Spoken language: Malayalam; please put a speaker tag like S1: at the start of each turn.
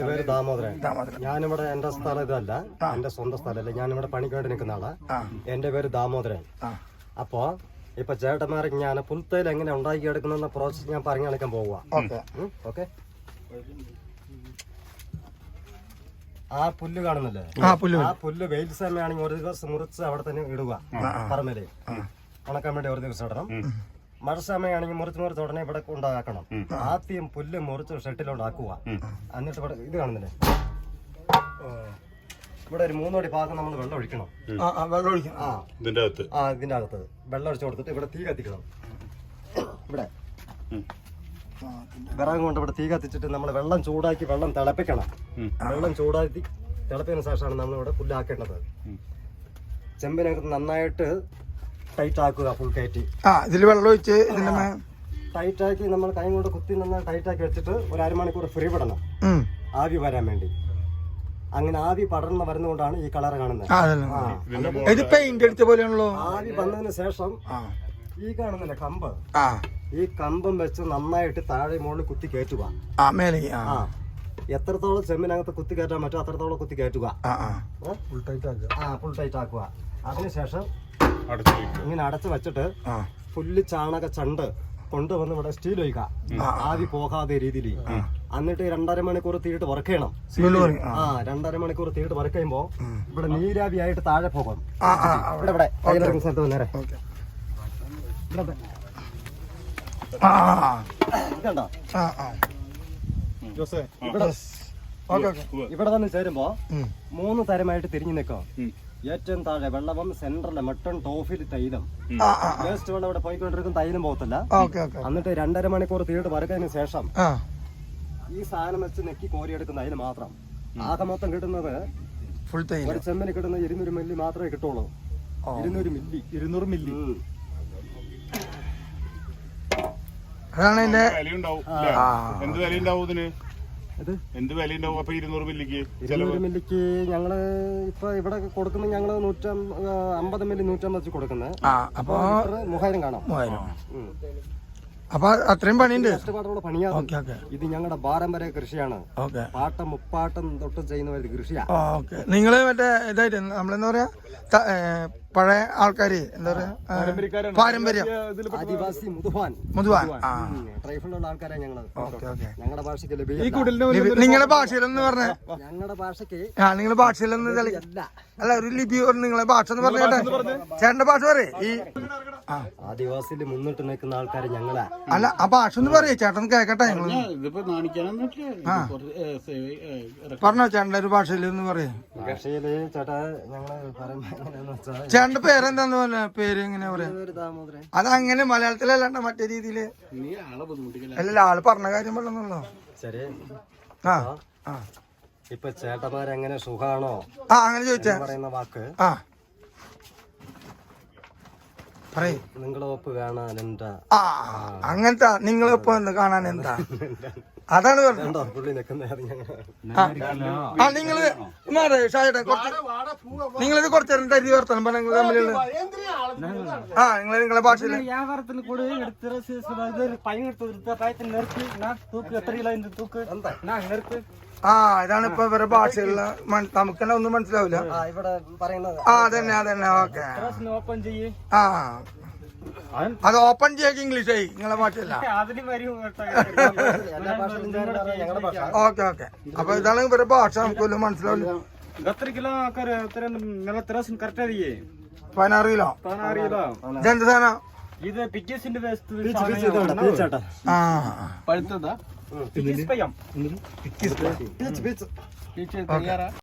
S1: പേര് ദാമോദരൻ. ഞാനിവിടെ എന്റെ സ്ഥലം ഇതല്ല, എന്റെ സ്വന്തം സ്ഥലമല്ല. ഞാനിവിടെ പണിക്കായിട്ട് നിൽക്കുന്ന ആളാ. എന്റെ പേര് ദാമോദരൻ. അപ്പോ ഇപ്പൊ ചേട്ടന്മാർക്ക് ഞാൻ പുൽത്തൈൽ എങ്ങനെ ഉണ്ടാക്കി എടുക്കുന്ന പ്രോസസ് ഞാൻ പറഞ്ഞു കളിക്കാൻ പോവുക. ഓക്കെ, ആ പുല്ല് കാണുന്നില്ലേ, ആ പുല്ല് വെയിൽ സമയമാണെങ്കിൽ ഒരു ദിവസം മുറിച്ച് അവിടെ തന്നെ ഇടുക. പറമ്പില് ഉണക്കാൻ വേണ്ടി ഒരു ദിവസം ഇടണം. മഴ സമയമാണെങ്കിൽ മുറിച്ച് ഉടനെ ഇവിടെ ഉണ്ടാക്കണം. ആദ്യം പുല്ല് മുറിച്ച് ഷെട്ടിലോണ്ടാക്കുക. എന്നിട്ട് ഇവിടെ ഇത് കാണുന്നില്ലേ, ഇവിടെ ഒരു 3 അടി ഭാഗം നമ്മൾ വെള്ളം ഒഴിക്കണം. ഇതിന്റെ അകത്ത് വെള്ളം ഒഴിച്ചു കൊടുത്തിട്ട് ഇവിടെ തീ കത്തിക്കണം. ഇവിടെ വിറക് കൊണ്ട് ഇവിടെ തീ കത്തിച്ചിട്ട് നമ്മൾ വെള്ളം ചൂടാക്കി വെള്ളം തിളപ്പിക്കണം. വെള്ളം ചൂടാക്കി തിളപ്പിക്കുന്ന ശേഷമാണ് നമ്മൾ ഇവിടെ പുല്ലാക്കേണ്ടത്. ചെമ്പിനകത്ത് നന്നായിട്ട് ടൈറ്റ് ആക്കുക. ഫുൾ കയറ്റി
S2: ഇതിൽ വെള്ളം ഒഴിച്ച്
S1: ടൈറ്റ് ആക്കി നമ്മൾ കൈ കൊണ്ട് കുത്തി നന്നായി ടൈറ്റ് ആക്കി വെച്ചിട്ട് ഒരു അരമണിക്കൂർ ഫ്രീ വിടണം, ആവി വരാൻ വേണ്ടി. അങ്ങനെ ആവി പടർന്ന് വരുന്നതുകൊണ്ടാണ് ഈ കളർ കാണുന്നത്. ആവി വന്നതിന് ശേഷം ഈ കാണുന്നില്ല കമ്പ്, ഈ കമ്പം വെച്ച് നന്നായിട്ട് താഴെ മുകളിൽ കുത്തി കയറ്റുക. എത്രത്തോളം ചെമ്മിനകത്ത് കുത്തി കയറ്റാൻ പറ്റും അത്രത്തോളം കുത്തി കയറ്റുക. ഫുൾ ടൈറ്റ് ആക്കുക. അതിനുശേഷം ഇങ്ങനെ അടച്ചു വെച്ചിട്ട് പുല്ല് ചാണക ചണ്ട് കൊണ്ടുവന്ന് ഇവിടെ സ്റ്റീൽ ഒഴിക്കുക, ആവി പോകാതെ രീതിയിൽ. എന്നിട്ട് 2.5 മണിക്കൂർ തീയിട്ട് വറക്കണം. 2.5 മണിക്കൂർ തീയിട്ട് വറക്കുമ്പോ ഇവിടെ നീരാവി ആയിട്ട് താഴെ പോകും. ഇവിടെ ഇവിടെ സ്ഥലത്ത് നേരെ കണ്ടോ, ഇവിടെ വന്ന് ചേരുമ്പോ 3 തരമായിട്ട് തിരിഞ്ഞു നിൽക്കും. ഏറ്റവും താഴെ വെള്ളവും സെന്ററിലെ മട്ടൺ ടോഫിൽ തൈലം, വേസ്റ്റ് വെള്ളം ഇവിടെ പോയിക്കൊണ്ടിരിക്കും, തൈലം പോകത്തില്ല. എന്നിട്ട് 2.5 മണിക്കൂർ തീയിട്ട് വരക്കതിന് ശേഷം ഈ സാധനം വെച്ച് നെക്കി കോരിയെടുക്കുന്ന അതിന് മാത്രം. ആകെ മൊത്തം കിട്ടുന്നത് ഒരു ചെമ്മിന് കിട്ടുന്ന 200 മില്ലി മാത്രമേ കിട്ടുള്ളൂ. 200 മില്ലി.
S2: അതാണ് എന്റെ
S3: എന്ത് വില ഉണ്ടാവും ഇതിന്? എന്ത് വില ഉണ്ടാവും? അപ്പൊ 200 മില്ലിക്ക്
S1: ഞങ്ങള് ഇപ്പൊ ഇവിടെ കൊടുക്കുന്നത് ഞങ്ങള് 150 മില്ലി 150 വെച്ച് കൊടുക്കുന്നത്. അപ്പൊ 3000 കാണാം.
S2: അപ്പൊ അത്രയും പണിയുണ്ട്,
S1: കഷ്ടപ്പാടോടെ പണിയാണ്. ഇത് ഞങ്ങളുടെ പാരമ്പര്യ കൃഷിയാണ്. പാട്ടം മുപ്പാട്ടം തൊട്ട് ചെയ്യുന്ന ഒരു കൃഷിയാണ്.
S2: നിങ്ങള് മറ്റേ ഇതായിട്ട് നമ്മളെന്താ പറയാ, പഴയ ആൾക്കാര് എന്താ പറയാ, പാരമ്പര്യം
S1: ആദിവാസി മുതുവാൻ ട്രൈബിലുള്ള ആൾക്കാരാ ഞങ്ങള്. ഞങ്ങളുടെ ഭാഷയ്ക്ക്
S2: നിങ്ങളുടെ ഭാഷയിലൊന്ന് പറഞ്ഞ,
S1: ഞങ്ങളുടെ ഭാഷയ്ക്ക്
S2: നിങ്ങളുടെ ഭാഷയിലൊന്ന് അല്ല ഒരു ലിപി നിങ്ങളെ ഭാഷ എന്ന് പറഞ്ഞേ, ചേട്ടന്റെ ഭാഷ പറയേ. ഈ
S1: ആദിവാസിയിൽ മുന്നിട്ട് നിൽക്കുന്ന ആൾക്കാര് ഞങ്ങളാ.
S2: അല്ല ആ ഭാഷ ഒന്ന് പറയേ, ചേട്ടൻ കേക്കട്ടെ. പറഞ്ഞോ ചേട്ടന്റെ ഒരു ഭാഷയിൽ ഒന്ന് പറയേ.
S1: ഭാഷയില് ചേട്ടാ ഞങ്ങള് പറയുമ്പോ
S2: ചേട്ടന്റെ പേരെന്താന്ന് പറഞ്ഞ പേര് എങ്ങനെയാ പറയാ? അതങ്ങനെ മലയാളത്തിലല്ലാണ്ട മറ്റേ രീതിയില് അല്ല, ആള് പറഞ്ഞ കാര്യം പറഞ്ഞല്ലോ.
S1: ശരി. ഇപ്പൊ ചേട്ടന്മാരെങ്ങനെ സുഖാണോ
S2: അങ്ങനെ ചോദിച്ചാ
S1: പറയുന്ന വാക്ക് നിങ്ങളെ ഒപ്പ് കാണാൻ എന്താ,
S2: അങ്ങനത്തെ നിങ്ങളെ ഒപ്പം ഒന്ന് കാണാൻ എന്താ, അതാണ് പറഞ്ഞത്. നിങ്ങള് നിങ്ങളിത് കുറച്ചേരം തരി വർത്തനം പറഞ്ഞ തമ്മിലുള്ള നിങ്ങളെ ഭാഷയില് ഇതാണ് ഇപ്പൊ ഇവരുടെ ഭാഷയുള്ള. നമുക്ക് തന്നെ ഒന്നും മനസ്സിലാവില്ല. അതന്നെ അതന്നെ. ഓക്കെ, അത് ഓപ്പൺ ചെയ്യാൻ ഇംഗ്ലീഷ് ആയി നിങ്ങളെ ഭാഷയല്ല. Okay okay. അപ്പൊ ഇതാണ് ഇവരുടെ ഭാഷ, നമുക്ക് വല്ലതും മനസ്സിലാവില്ല.
S1: 16 കിലോ.
S2: ഇതെന്ത് സാധനം?
S1: ഇത് പിറ്റേസിന്റെ
S2: പഴുത്തതാ.